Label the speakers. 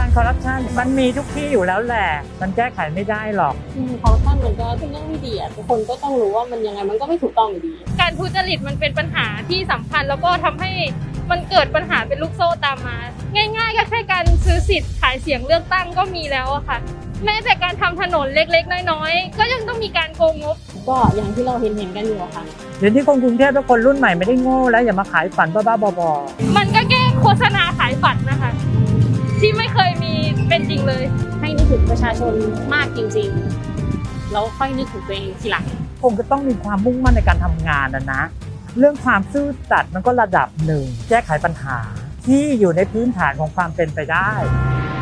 Speaker 1: คอร์รัปชันมันมีทุกที่อยู่แล้วแหละมันแก้ไขไม่ได้หรอก
Speaker 2: คอร์รัปชันมันก็เป็นเรื่องไม่ดีทุกคนก็ต้องรู้ว่ามันยังไงมันก็ไม่ถูกต้องอยู่ดี
Speaker 3: การทุจริตมันเป็นปัญหาที่สำคัญแล้วก็ทำให้มันเกิดปัญหาเป็นลูกโซ่ตามมาง่ายๆก็แค่การซื้อสิทธิ์ขายเสียงเลือกตั้งก็มีแล้วอะค่ะแม้แต่การทำถนนเล็กๆน้อยๆก็ยังต้องมีการโกงงบ
Speaker 2: ก็อย่างที่เราเห็นกันอยู่ค่ะ
Speaker 1: เดี๋ยวนี้คนกรุงเทพและคนรุ่นใหม่ไม่ได้โง่แล้วอย่ามาขายฝันบ้าๆบอ
Speaker 3: ๆมันก็แค่โฆษณาขายฝันนะคะที่ไม่เคยมีเป็นจริงเลย
Speaker 2: ให้นึกถึงประชาชนมากจริงๆแล้วค่อยนึกถึงตัวเองทีหลัง
Speaker 1: คงจะต้องมีความมุ่งมั่นในการทำงานนะเรื่องความซื่อสัตย์มันก็ระดับหนึ่งแก้ไขปัญหาที่อยู่ในพื้นฐานของความเป็นไปได้